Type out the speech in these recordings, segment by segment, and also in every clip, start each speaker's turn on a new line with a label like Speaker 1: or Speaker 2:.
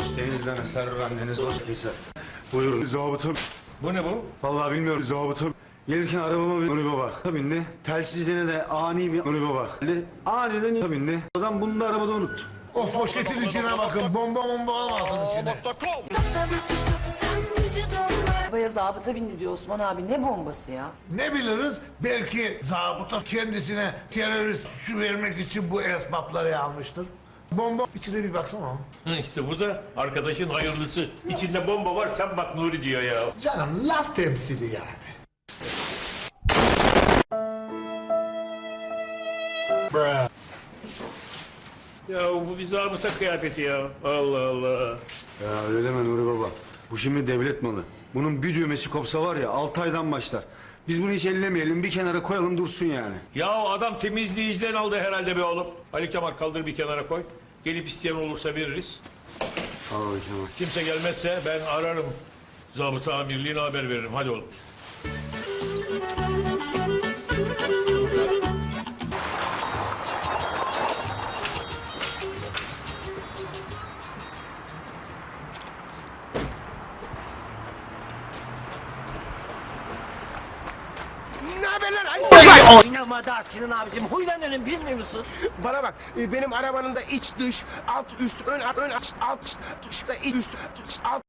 Speaker 1: dost denizden eser bendeniz dost keser. Buyurun zabıta.
Speaker 2: Bu ne bu?
Speaker 1: Vallahi bilmiyorum zabıta. Gelirken arabama bir Nuri Baba bindi. Telsizine de ani bir Nuri Baba geldi. Aniden bindi. Adam bunu da arabada unuttu.
Speaker 3: O poşetin içine bakın. Bomba olmasın içine.
Speaker 4: Arabaya zabıta bindi diyor Osman abi. Ne bombası ya?
Speaker 3: Ne biliriz? Belki zabıta kendisine terörist su vermek için bu esbapları almıştır. Bomba içine bir baksana.
Speaker 2: İşte bu da arkadaşın hayırlısı. İçinde bomba var, sen bak Nuri diyor ya.
Speaker 3: Canım laf temsili yani.
Speaker 2: Ya bu bir zabıta kıyafeti ya. Allah Allah.
Speaker 1: Ya öyle deme Nuri Baba. Bu şimdi devlet malı. Bunun bir düğmesi kopsa var ya 6 aydan başlar. Biz bunu hiç ellemeyelim, bir kenara koyalım dursun yani.
Speaker 2: Ya adam temizleyiciden aldı herhalde be oğlum. Ali Kemal kaldır bir kenara koy. Gelip isteyen olursa veririz.
Speaker 1: Al bakayım.
Speaker 2: Kimse gelmezse ben ararım. Zabıta amirliğine haber veririm. Hadi oğlum.
Speaker 5: Ne haber lan?
Speaker 6: Oynama da Sinan abicim, huylanırım bilmiyor musun?
Speaker 5: Bana bak, benim arabanın da iç dış, alt üst, ön alt dış, da iç üst, alt.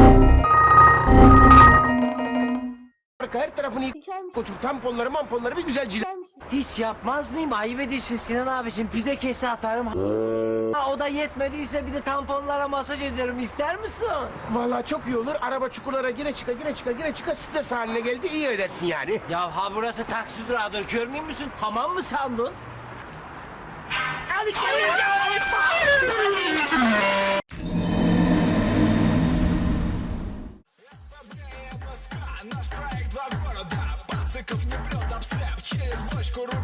Speaker 5: Arka her tarafını yık koçum, tamponları mamponları bir güzel cila.
Speaker 6: Hiç yapmaz mıyım? Ayıp ediyorsun Sinan abicim, pide kese atarım. Ha, o da yetmediyse bir de tamponlara masaj ederim, ister misin?
Speaker 5: Vallahi çok iyi olur, araba çukurlara gire çıka stres haline geldi, iyi edersin yani.
Speaker 6: Ya ha burası taksi durağıdır, görmüyor musun? Hamam mı sandın?
Speaker 5: Al içeri.
Speaker 7: Наш проект два города, пациков не прет обслеп. Через бочку рук